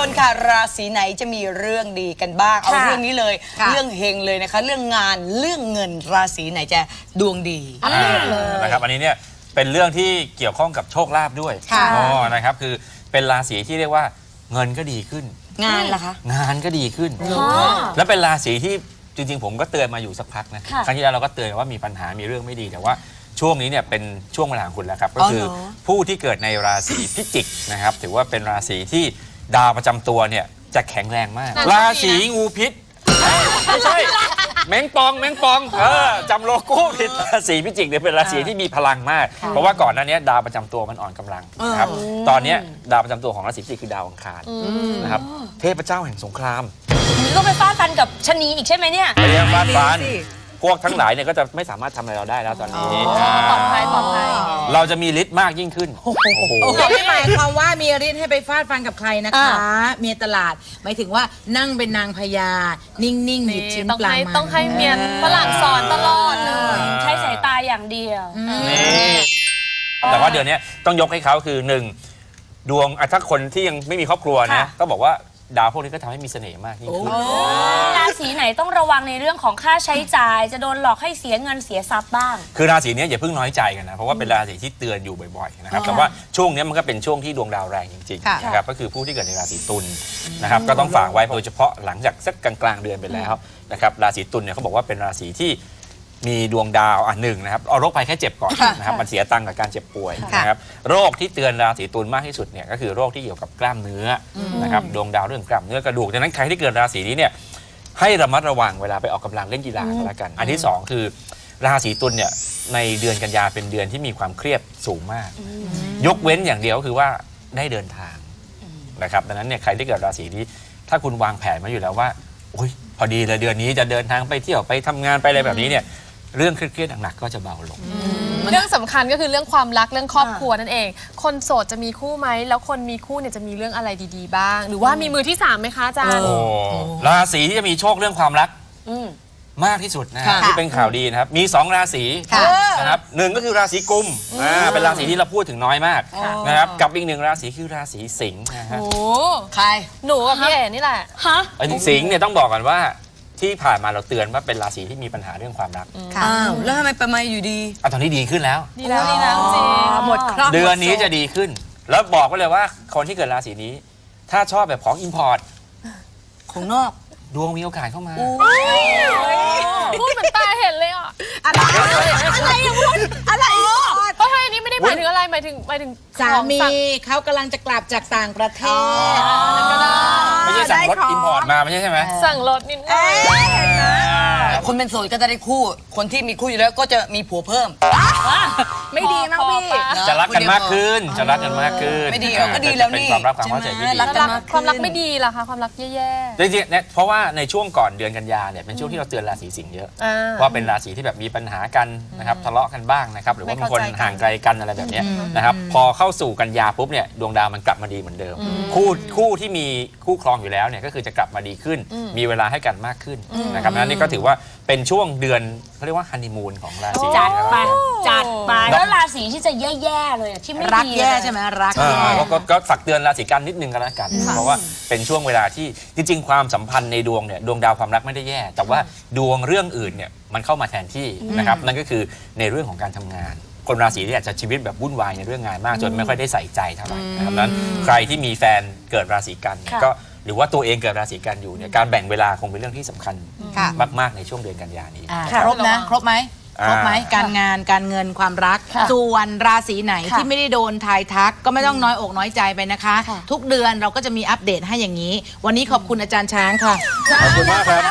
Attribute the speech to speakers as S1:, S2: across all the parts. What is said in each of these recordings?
S1: นค่ะราศีไหนจะมีเรื่องดีกันบ้างเอาเรื่องนี้เลยเรื่องเฮงเลยนะคะเรื่องงานเรื่องเงินราศีไหนจะดวงดี
S2: นะครับอันนี้เนี่ยเป็นเรื่องที่เกี่ยวข้องกับโชคลาภด้วยนะครับคือเป็นราศีที่เรียกว่าเงินก็ดีขึ้น
S1: งานล่ะคะ
S2: งานก็ดีขึ้นและเป็นราศีที่จริงๆผมก็เตือนมาอยู่สักพักนะครั้งที่แล้วเราก็เตือนว่ามีปัญหามีเรื่องไม่ดีแต่ว่าช่วงนี้เนี่ยเป็นช่วงเวลาของคุณแล้วครับก็คือผู้ที่เกิดในราศีพิจิกนะครับถือว่าเป็นราศีที่ดาวประจำตัวเนี่ยจะแข็งแรงมากราศีงูพิษไม่ใช่แมงปองจำโลโก้ผิดราศีพิจิกเนี่ยเป็นราศีที่มีพลังมากเพราะว่าก่อนหน้านี้ดาวประจำตัวมันอ่อนกำลังนะครับตอนนี้ดาวประจำตัวของราศีพิจิกคือดาวอังคารนะครับเทพเจ้าแห่งสงคราม
S3: ก็ไปฟาดฟันกับชะนีอีกใช่ไหมเนี่ย
S2: ไปฟาดฟันพวกทั้งหลายเนี่ยก็จะไม่สามารถทำอะไรเราได้แล้วตอนนี้
S3: ปลอดภัย
S2: เราจะมีฤทธิ์มากยิ่งขึ้น
S4: ไม่หมายความว่ามีฤทธิ์ให้ไปฟาดฟันกับใครนะคะเมียตลาดหมายถึงว่านั่งเป็นนางพญานิ่งๆหยิบชิ้นปลามา
S3: ต้องให้เมียฝรั่งสอนตลอดเลยใช้สายตาอย่างเดียว
S2: แต่ว่าเดือนนี้ต้องยกให้เขาคือ1ดวงถ้าคนที่ยังไม่มีครอบครัวนะก็บอกว่าดาวพวกนี้ก็ทำให้มีเสน่ห์มากยิ่งขึ้น
S3: ราศีไหนต้องระวังในเรื่องของค่าใช้จ่ายจะโดนหลอกให้เสียเงินเสียทรัพย์บ้าง
S2: คือราศีนี้อย่าเพิ่งน้อยใจกันนะเพราะว่าเป็นราศีที่เตือนอยู่บ่อยๆนะครับแต่ว่าช่วงนี้มันก็เป็นช่วงที่ดวงดาวแรงจริงๆนะครับก็คือผู้ที่เกิดในราศีตุลนะครับก็ต้องฝากไว้โดยเฉพาะหลังจากสักกลางๆเดือนไปแล้วนะครับราศีตุลเนี่ยเขาบอกว่าเป็นราศีที่มีดวงดาวหนึ่งนะครับเอาโรคภัยแค่เจ็บก่อนนะครับมันเสียตังค์กับการเจ็บป่วยนะครับโรคที่เตือนราศีตุลมากที่สุดเนี่ยก็คือโรคที่เกี่ยวกับกล้ามเนื้อนะครับดวงดาวเรื่องกล้ามเนื้อกระดูกดังนั้นใครที่เกิดราศีนี้เนี่ยให้ระมัดระวังเวลาไปออกกำลังเล่นกีฬาก็แล้วกันอันที่2คือราศีตุลเนี่ยในเดือนกันยาเป็นเดือนที่มีความเครียดสูงมากยกเว้นอย่างเดียวคือว่าได้เดินทางนะครับดังนั้นเนี่ยใครที่เกิดราศีนี้ถ้าคุณวางแผนมาอยู่แล้วว่าโอ้ยพอดีเลยเดือนนี้จะเดินทางไปเที่ยวไปทำงานไปอะไรแบบนี้เนี่ยเรื่องเครียดๆหนักๆก็จะเบาลง
S5: เรื่องสำคัญก็คือเรื่องความรักเรื่องครอบครัวนั่นเองคนโสดจะมีคู่ไหมแล้วคนมีคู่เนี่ยจะมีเรื่องอะไรดีๆบ้างหรือว่ามีมือที่3ไหมคะอาจารย์
S2: ราศีที่จะมีโชคเรื่องความรักมากที่สุดนะที่เป็นข่าวดีนะครับมี2ราศีนะครับ1ก็คือราศีกุมเป็นราศีที่เราพูดถึงน้อยมากนะครับกับอีก1ราศีคือราศีสิงห์นะฮะ
S1: ใคร
S5: หนูกับพี่เอ๋นี่แหละ
S3: ฮะ
S2: สิงห์เนี่ยต้องบอกก่อนว่าที่ผ่านมาเราเตือนว่าเป็นราศีที่มีปัญหาเรื่องความรัก
S1: แล้วทำไมประมาอยู่ดี
S2: ตอนนี้ดีขึ้นแล้ว
S5: ดีแล้วจริง
S1: หมดครอบ
S2: เดือนนี้จะดีขึ้นแล้วบอกไว้เลยว่าคนที่เกิดราศีนี้ถ้าชอบแบบของอิมพอร์ต
S1: ของนอก
S2: ดวงมีโอกาสเข้ามา
S5: พูดเหมือนตาเห็นเลยอ่ะ
S4: อะไรอย่างพูดอะไร
S5: เพราะอันนี้ไม่ได้หมายถึงอะไรหมายถึง
S4: สามีเขากำลังจะกลับจากต่างประเทศ
S2: ไม่ใช่สั่งรถอิมพอร์ตมาไม่ใช่ไหม
S5: สั่งรถนิดหน่อย
S1: คนเป็นโสดก็จะได้คู่คนที่มีคู่อยู่แล้วก็จะมีผัวเพิ่ม
S4: ไม่ดีมั้งพี่
S2: จะรักกันมากขึ้นจะรักกันมากขึ้น
S1: ไม่ดีก็ดีแล้วนี่
S2: เป็นความรักความเข้าใจที่ดี
S5: ความรักไม่ดีล่ะคะความรักแย่
S2: ๆจริงๆเพราะว่าในช่วงก่อนเดือนกันยาเนี่ยเป็นช่วงที่เราเตือนราศีสิงห์เยอะเพราะเป็นราศีที่แบบมีปัญหากันนะครับทะเลาะกันบ้างนะครับหรือว่าบางคนห่างไกลกันอะไรแบบนี้นะครับพอเข้าสู่กันยาปุ๊บเนี่ยดวงดาวมันกลับมาดีเหมือนเดิมคู่ที่มีคู่ครองอยู่แล้วเนี่ยก็คือจะกลับมาดีขึ้นมีเวลาให้กันมากขึ้นนะครับนั่นนี่ก็ถือว่าเป็นช่วงเดือนเขาเรียกว่าฮันนีมูนของราศี
S3: จัดไปแล้วราศีที่จะแย่ๆเลยที่ไม่ดี
S4: รักแย่ใช่ไหมรัก
S2: ก็ฝากเตือนราศีกันนิดนึงก็แล้วกันเพราะว่าเป็นช่วงเวลาที่จริงๆความสัมพันธ์ในดวงเนี่ยดวงดาวความรักไม่ได้แย่แต่ว่าดวงเรื่องอื่นเนี่ยมันเข้ามาแทนที่นะครับนั่นก็คือในเรื่องของการทำงานคนราศีที่อาจจะชีวิตแบบวุ่นวายในเรื่องงานมากจนไม่ค่อยได้ใส่ใจเท่าไหร่นะครับนั้นใครที่มีแฟนเกิดราศีกันก็หรือว่าตัวเองเกิดราศีกันอยู่เนี่ยการแบ่งเวลาคงเป็นเรื่องที่สำคัญมากๆในช่วงเดือนกันยานี้
S4: ครบนะครบไหมการงานการเงินความรักส่วนราศีไหนที่ไม่ได้โดนทายทักก็ไม่ต้องน้อยอกน้อยใจไปนะคะทุกเดือนเราก็จะมีอัปเดตให้อย่างนี้วันนี้ขอบคุณอาจารย์ช้างค่ะ
S2: ขอบคุณมากครับ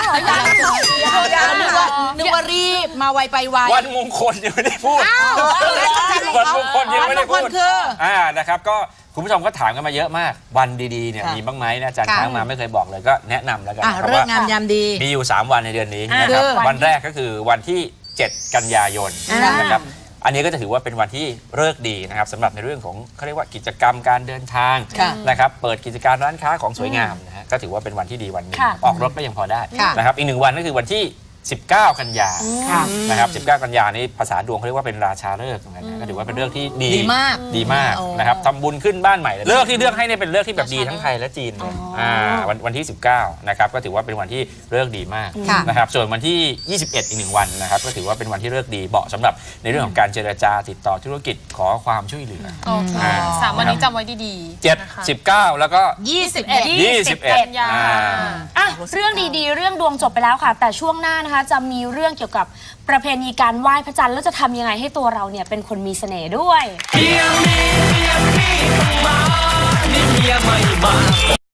S4: นึกว่ารีบมาไวไปไว
S2: วันมงคลยังไม่ได้พูดวันมงคลยังไม่ได้พูดนะครับก็คุณผู้ชมก็ถามกันมาเยอะมากวันดีๆเนี่ยมีบ้างไหมนะอาจารย์ช้างมาไม่เคยบอกเลยก็แนะนำแล้วกัน
S4: เรื่องงามยามดี
S2: มีอยู่3วันในเดือนนี้นะครับวันแรกก็คือวันที่7 กันยายนนะครับอันนี้ก็จะถือว่าเป็นวันที่ฤกษ์ดีนะครับสำหรับในเรื่องของเขาเรียกว่ากิจกรรมการเดินทางนะครับเปิดกิจการร้านค้าของสวยงามนะฮะก็ถือว่าเป็นวันที่ดีวันนึงออกรถก็ยังพอได้นะครับอีก1วันก็คือวันที่ 19 กันยา
S4: ค่ะ
S2: นะครับ19 กันยานี่ภาษาดวงเขาเรียกว่าเป็นราชาฤกษ์เหมือนกันนะก็ถือว่าเป็นเรื่องที่ดี
S1: ดีมาก
S2: ดีมากนะครับทำบุญขึ้นบ้านใหม่เลยเลิกที่เลือกให้เนี่ยเป็นเลิกที่แบบดีทั้งไทยและจีนเลยวันที่ 19 นะครับก็ถือว่าเป็นวันที่เลิกดีมาก
S1: ค่ะ
S2: นะครับส่วนวันที่ 21 อีก1 วันนะครับก็ถือว่าเป็นวันที่เลิกดีเหมาะสำหรับในเรื่องของการเจรจาติดต่อธุรกิจขอความช่วยเหลือ
S5: โอเคสามวันนี้จำไว้ดีๆนะคะ
S2: 7 19 แล้วก็
S5: กันยา
S3: อ่ะเรื่องดีๆ เรื่องดวงจบไปแล้วค่ะ แต่ช่วงหน้านะคะจะมีเรื่องเกี่ยวกับประเพณีการไหว้พระจันทร์แล้วจะทำยังไงให้ตัวเราเนี่ยเป็นคนมีเสน่ห์ด้วย
S6: เมียมีเมียพี่ต้องมานี่เมียไม่มา